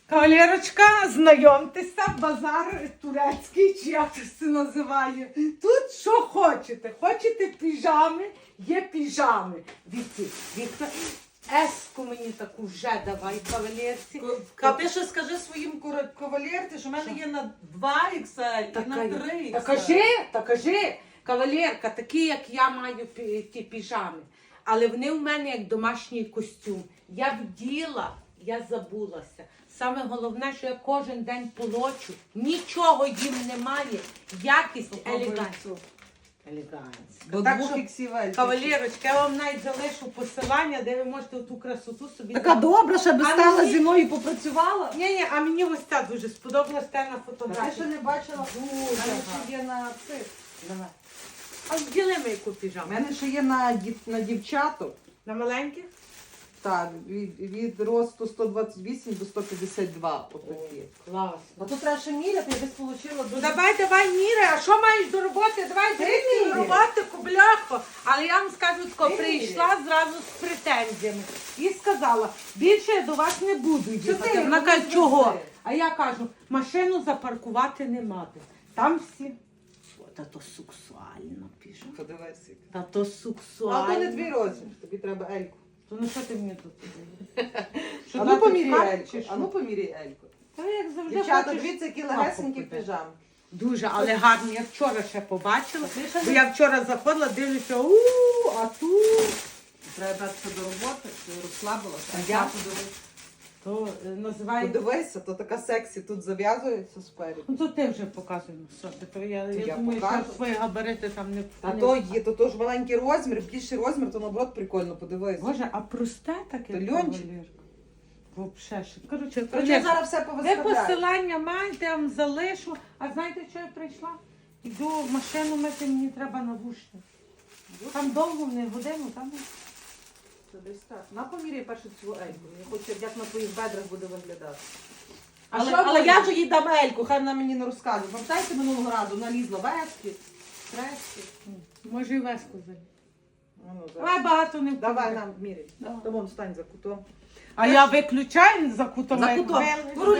Кавалерочка, знайомтеся, базар турецький, чи як це називає. Тут що хочете. Хочете піжами, є піжами. Віка, еску мені таку вже давай, кавалерці. Ти ще скажи своїм кавалерці, що в мене є на 2 XL і на 3 XL. Та кажи, кавалерка, такі, як я маю ті піжами. Але вони у мене як домашній костюм. Я вділа, я забулася. Саме головне, що я кожен день полочу, нічого їм немає, якість, елегантність. До Так 2 що, XL. кавалерочка, я вам навіть залишу посилання, де ви можете ту красоту собі... Така добра, щоб А стала мені- зі мною і попрацювала. Ні, а мені ось ця дуже сподобалась те на Я фотографії. ще не бачила. У Дуже мене гарно. ще є на цих. Давай. А вділи ми яку У піжаму? мене ще є на дівчаток. На маленьких? Так, від росту 128 до 152. Отакі. Класно. А тут треба ще міряти, я десь отримала Ну дуже... давай, міри, а що маєш до роботи? Давай дивіться до міряй. роботи, кубляхо. Але я вам скажу, тако, Ти прийшла зразу з претензіями і сказала, більше я до вас не буду їхати. ти? Вона Ну, каже, не чого? звези. А я кажу, машину запаркувати нема де. Там всі. О, та то сексуально пишу. Подивися. Та то А сексуально. то не твій розмір, тобі треба Ельку. То ну що ти мені тут? А ну дати поміряй ткань Ельку. чи що? А ну поміряй Ельку. Та як завжди Дівчата, хочеш. дивіться, які Папу легесенькі купити. піжами. Дуже, але гарні. Я вчора ще побачила. Та ти ще Бо не- я вчора заходила, дивлюся, а тут. Треба братися до роботи, ти розслабилася. А я? То називається. Подивися, то така сексі тут зав'язується спереду. Ну то ти вже показуй на собі. То я я думаю, покажу. що свої габарити там не А не- то є, то ж маленький розмір, більший розмір, то наоборот прикольно, подивись. Боже, а просте таке? То льончик. Вообще ще. Коротше, Короче, зараз все де повиставляю. посилання маєте, я вам залишу. А знаєте, що я прийшла? Йду машину мити, мені треба навушник. Там довго не годину, там. Це десь так. На поміряй першу цю Ельку. Я хочу, як на твоїх бедрах буде виглядати. Але- Але але я ж їй дам Ельку, хай вона мені не розказує. Пам'ятаєте, минулого разу налізла вески, трески. Може і веску взяти. Ну, Давай багато не Давай вкладай. нам міряй. Давай. Та вон стань за кутом. А я виключаю за кутом. За як кутом. вели.